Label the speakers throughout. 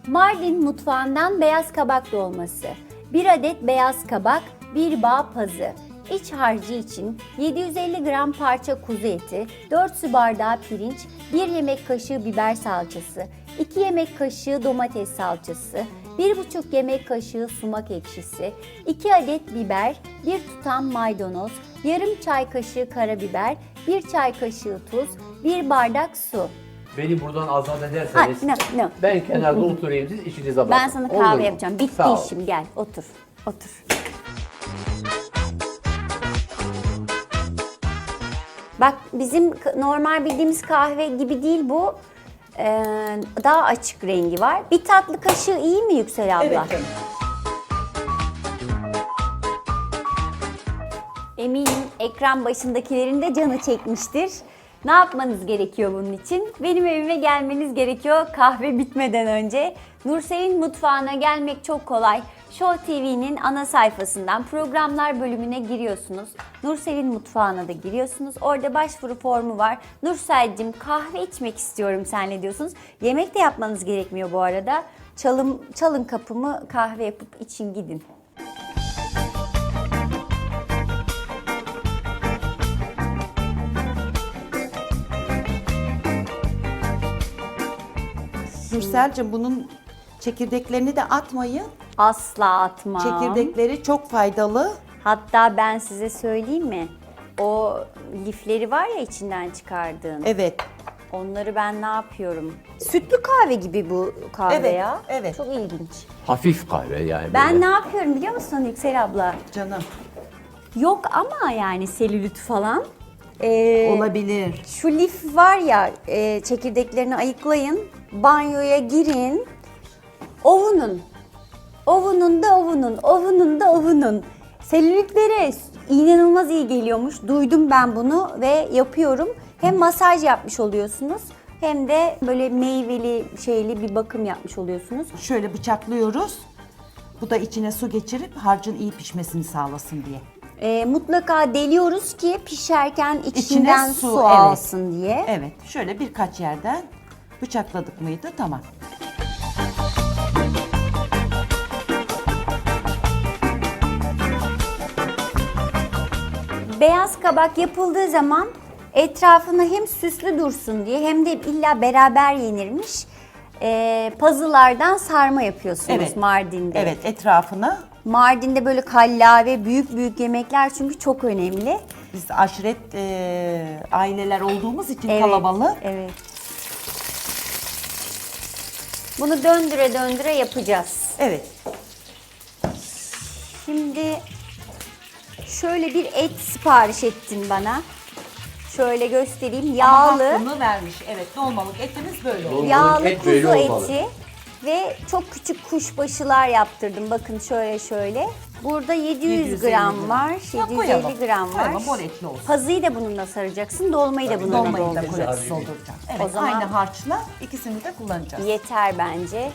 Speaker 1: Mardin mutfağından beyaz kabak dolması. 1 adet beyaz kabak, 1 bağ pazı. İç harcı için 750 gram parça kuzu eti, 4 su bardağı pirinç, 1 yemek kaşığı biber salçası, 2 yemek kaşığı domates salçası, 1,5 yemek kaşığı sumak ekşisi, 2 adet biber, 1 tutam maydanoz, yarım çay kaşığı karabiber, 1 çay kaşığı tuz, 1 bardak su.
Speaker 2: Beni buradan azat ederseniz
Speaker 1: no.
Speaker 2: ben kenarda oturayım, siz işinize bakın.
Speaker 1: Ben sana
Speaker 2: Olur
Speaker 1: kahve
Speaker 2: mu?
Speaker 1: yapacağım. Bitti
Speaker 2: Sağ ol.
Speaker 1: işim, gel otur. Otur. Bak bizim normal bildiğimiz kahve gibi değil bu. Daha açık rengi var. Bir tatlı kaşığı iyi mi Yüksel abla?
Speaker 3: Evet canım.
Speaker 1: Eminim ekran başındakilerin de canı çekmiştir. Ne yapmanız gerekiyor bunun için? Benim evime gelmeniz gerekiyor kahve bitmeden önce. Nursel'in mutfağına gelmek çok kolay. Show TV'nin ana sayfasından programlar bölümüne giriyorsunuz. Nursel'in mutfağına da giriyorsunuz. Orada başvuru formu var. Nursel'cim kahve içmek istiyorum seninle diyorsunuz. Yemek de yapmanız gerekmiyor bu arada. Çalın kapımı, kahve yapıp için gidin.
Speaker 3: Nursel'cim bunun çekirdeklerini de atmayın.
Speaker 1: Asla atmam.
Speaker 3: Çekirdekleri çok faydalı.
Speaker 1: Hatta ben size söyleyeyim mi? O lifleri var ya içinden çıkardığın.
Speaker 3: Evet.
Speaker 1: Onları ben ne yapıyorum? Sütlü kahve gibi bu kahve
Speaker 3: Evet,
Speaker 1: ya.
Speaker 3: evet.
Speaker 1: Çok ilginç.
Speaker 2: Hafif kahve yani.
Speaker 1: Ben
Speaker 2: böyle.
Speaker 1: ne yapıyorum biliyor musun Yüksel abla?
Speaker 3: Canım.
Speaker 1: Yok ama yani selülit falan.
Speaker 3: Olabilir.
Speaker 1: Şu lif var ya çekirdeklerini ayıklayın. Banyoya girin. Ovunun. Ovunun da ovunun. Ovunun da ovunun. Selülitlere inanılmaz iyi geliyormuş. Duydum ben bunu ve yapıyorum. Hem masaj yapmış oluyorsunuz hem de böyle meyveli şeyli bir bakım yapmış oluyorsunuz.
Speaker 3: Şöyle bıçaklıyoruz. Bu da içine su geçirip harcın iyi pişmesini sağlasın diye.
Speaker 1: Mutlaka deliyoruz ki pişerken içinden
Speaker 3: İçine
Speaker 1: su,
Speaker 3: su, evet.
Speaker 1: alsın diye.
Speaker 3: Evet. Şöyle birkaç yerden bıçakladık mıydı? Tamam.
Speaker 1: Beyaz kabak yapıldığı zaman etrafına hem süslü dursun diye hem de illa beraber yenirmiş. Pazılardan sarma yapıyorsunuz
Speaker 3: Evet.
Speaker 1: Mardin'de.
Speaker 3: Evet, etrafına
Speaker 1: Mardin'de böyle kallave, büyük büyük yemekler çünkü çok önemli.
Speaker 3: biz aşiret aileler olduğumuz için
Speaker 1: Evet,
Speaker 3: kalabalık.
Speaker 1: evet. Bunu döndüre döndüre yapacağız.
Speaker 3: Evet.
Speaker 1: Şimdi şöyle bir et sipariş ettin bana. Şöyle göstereyim. Yağlı,
Speaker 3: Hakkını vermiş. Evet, dolmalık etimiz böyle oluyor.
Speaker 1: yağlı
Speaker 2: et böyle
Speaker 1: kuzu
Speaker 2: olmalı.
Speaker 1: eti ve çok küçük kuşbaşılar yaptırdım. Bakın şöyle. Burada 700
Speaker 3: 750
Speaker 1: gram var,
Speaker 3: Ya
Speaker 1: 750
Speaker 3: koyalım.
Speaker 1: gram var.
Speaker 3: Koyalım, bol etli olsun.
Speaker 1: Pazıyı da bununla saracaksın, dolmayı da bununla
Speaker 3: Dolmayı da
Speaker 1: dolduracaksın.
Speaker 3: koyacağız, dolduracağız. Evet,
Speaker 1: O zaman-
Speaker 3: aynı harçla ikisini de kullanacağız.
Speaker 1: Yeter bence.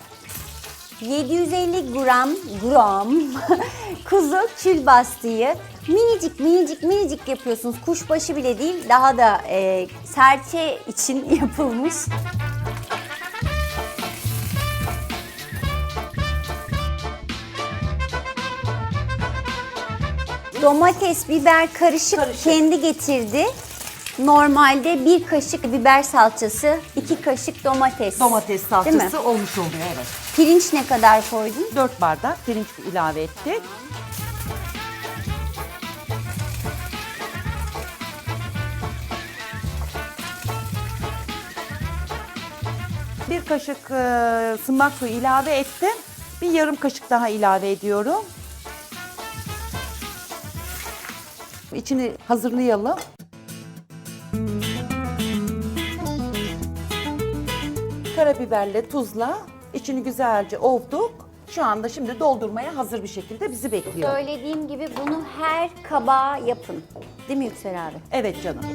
Speaker 1: 750 gram kuzu külbastıyı minicik yapıyorsunuz. Kuşbaşı bile değil, daha da serçe için yapılmış. Domates, biber karışık kendi getirdi. Normalde 1 kaşık biber salçası, 2 kaşık domates.
Speaker 3: Domates
Speaker 1: Değil mi?
Speaker 3: salçası olmuş oluyor, evet.
Speaker 1: Pirinç ne kadar koydun?
Speaker 3: 4 bardak pirinç ilave ettik. Bir kaşık sımak suyu ilave ettim. Bir yarım kaşık daha ilave ediyorum. İçini hazırlayalım. Karabiberle, tuzla içini güzelce ovduk. Şu anda şimdi doldurmaya hazır bir şekilde bizi bekliyor.
Speaker 1: Söylediğim gibi bunu her kabağa yapın. Değil mi Yüksel abi?
Speaker 3: Evet canım.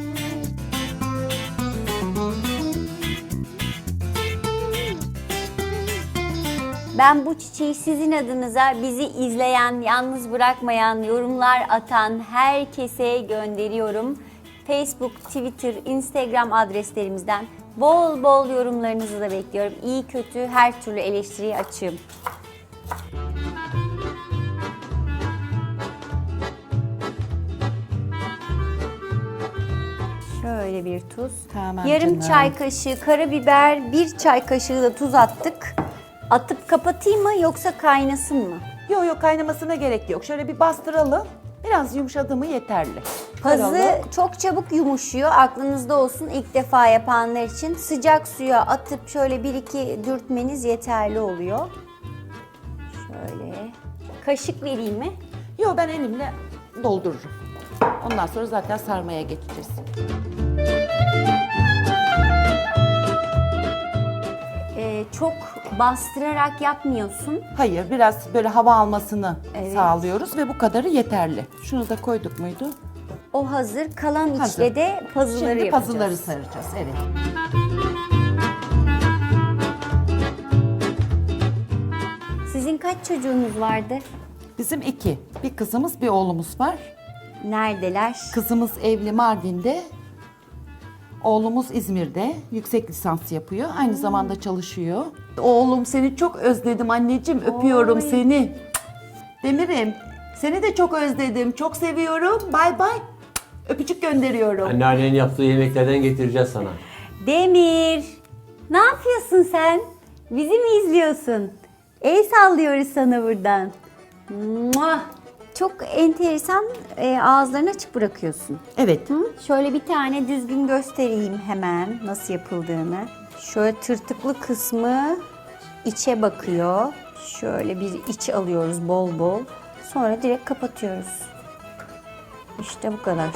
Speaker 1: Ben bu çiçeği sizin adınıza bizi izleyen, yalnız bırakmayan, yorumlar atan herkese gönderiyorum. Facebook, Twitter, Instagram adreslerimizden Bol bol yorumlarınızı da bekliyorum. İyi kötü her türlü eleştiriye açığım. Şöyle bir tuz.
Speaker 3: Tamam
Speaker 1: Yarım
Speaker 3: canım.
Speaker 1: çay kaşığı karabiber, 1 çay kaşığı da tuz attık. Atıp kapatayım mı yoksa kaynasın mı?
Speaker 3: Yok yok, kaynamasına gerek yok. Şöyle bir bastıralım. Biraz yumuşadı mı yeterli.
Speaker 1: Pazı
Speaker 3: Karalık.
Speaker 1: çok çabuk yumuşuyor. Aklınızda olsun, ilk defa yapanlar için. Sıcak suya atıp şöyle 1-2 dürtmeniz yeterli oluyor. Şöyle. Kaşık vereyim mi?
Speaker 3: Yok, ben elimle doldururum. Ondan sonra zaten sarmaya geçeceğiz.
Speaker 1: Çok bastırarak yapmıyorsun.
Speaker 3: Hayır, biraz böyle hava almasını
Speaker 1: Evet.
Speaker 3: sağlıyoruz ve bu kadarı yeterli. Şunu da koyduk muydu?
Speaker 1: O hazır. Kalan
Speaker 3: Hazır.
Speaker 1: içle de pazıları
Speaker 3: Şimdi
Speaker 1: yapacağız.
Speaker 3: puzzle'ları saracağız. Evet.
Speaker 1: Sizin kaç çocuğunuz vardı?
Speaker 3: Bizim 2. Bir kızımız, bir oğlumuz var.
Speaker 1: Neredeler?
Speaker 3: Kızımız evli Mardin'de. Oğlumuz İzmir'de. Yüksek lisans yapıyor. Aynı zamanda çalışıyor. Oğlum, seni çok özledim anneciğim. Öpüyorum
Speaker 1: Oy.
Speaker 3: seni. Demir'im, seni de çok özledim. Çok seviyorum. Bay bay. Öpücük gönderiyorum.
Speaker 2: Anneannenin yaptığı yemeklerden getireceğiz sana.
Speaker 1: Demir, ne yapıyorsun sen? Bizi mi izliyorsun? El sallıyoruz sana buradan. Muah! Çok enteresan, ağızlarını açık bırakıyorsun.
Speaker 3: Evet.
Speaker 1: Hı? Şöyle bir tane düzgün göstereyim hemen nasıl yapıldığını. Şöyle tırtıklı kısmı içe bakıyor. Şöyle bir iç alıyoruz bol bol. Sonra direkt kapatıyoruz. İşte bu kadar.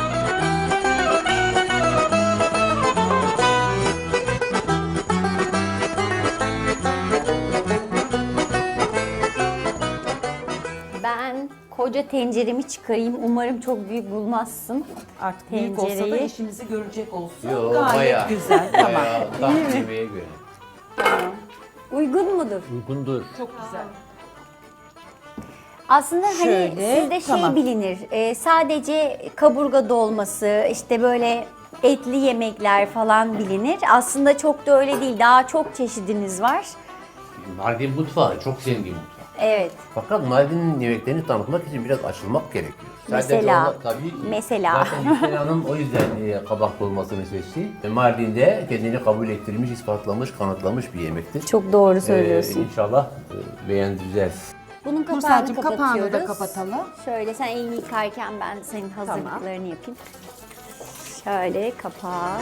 Speaker 1: Ben koca tenceremi çıkarayım. Umarım çok büyük bulmazsın.
Speaker 3: Artık büyük olsa da
Speaker 1: Tencereyi.
Speaker 3: işimizi görecek olsun.
Speaker 2: Yo,
Speaker 3: Gayet
Speaker 2: bayağı.
Speaker 3: güzel. Tamam.
Speaker 2: Bayağı tam yemeğe göre.
Speaker 1: Uygun mudur?
Speaker 2: Uygundur.
Speaker 3: Çok güzel.
Speaker 1: Aslında hani
Speaker 3: Şöyle,
Speaker 1: sizde
Speaker 3: tamam.
Speaker 1: bilinir. Sadece kaburga dolması, işte böyle etli yemekler falan bilinir. Aslında çok da öyle değil. Daha çok çeşidiniz var.
Speaker 2: Mardin mutfağı çok zengin mutfak.
Speaker 1: Evet.
Speaker 2: Fakat Mardin'in yemeklerini tanıtmak için biraz açılmak gerekiyor.
Speaker 1: Mesela,
Speaker 2: onlar tabii
Speaker 1: mesela.
Speaker 2: Zaten Yüksel Hanım o yüzden kabak dolmasını seçti. Mardin'de kendini kabul ettirmiş, ispatlamış, kanıtlamış bir yemektir.
Speaker 1: Çok doğru söylüyorsun.
Speaker 2: İnşallah beğendireceğiz.
Speaker 1: Bunun kapağını
Speaker 3: Nursel'cim,
Speaker 1: kapatıyoruz.
Speaker 3: kapağını da kapatalım.
Speaker 1: Şöyle sen elini yıkarken ben senin hazırlıklarını yapayım. Şöyle kapağı.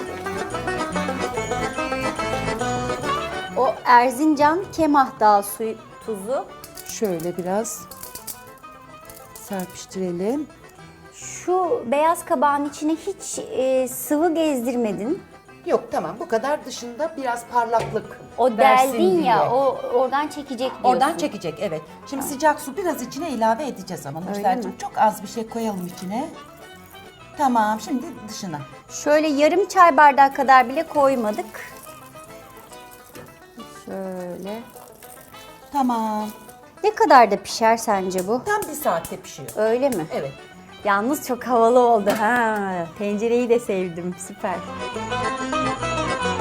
Speaker 1: O Erzincan Kemah Dağı suyu, tuzu.
Speaker 3: Şöyle biraz serpiştirelim.
Speaker 1: Şu beyaz kabağın içine hiç sıvı gezdirmedin.
Speaker 3: Yok, tamam, bu kadar, dışında biraz parlaklık
Speaker 1: O
Speaker 3: versin
Speaker 1: deldin
Speaker 3: diye.
Speaker 1: ya, o oradan çekecek diyorsun.
Speaker 3: Oradan çekecek, evet. Şimdi sıcak su biraz içine ilave edeceğiz ama Nursel'cim,
Speaker 1: mi?
Speaker 3: çok az bir şey koyalım içine. Tamam, şimdi dışına.
Speaker 1: Şöyle yarım çay bardağı kadar bile koymadık. Şöyle.
Speaker 3: Tamam.
Speaker 1: Ne kadar da pişer sence bu?
Speaker 3: Tam 1 saatte pişiyor.
Speaker 1: Öyle mi?
Speaker 3: Evet.
Speaker 1: Yalnız çok havalı oldu ha. Tencereyi de sevdim. Süper.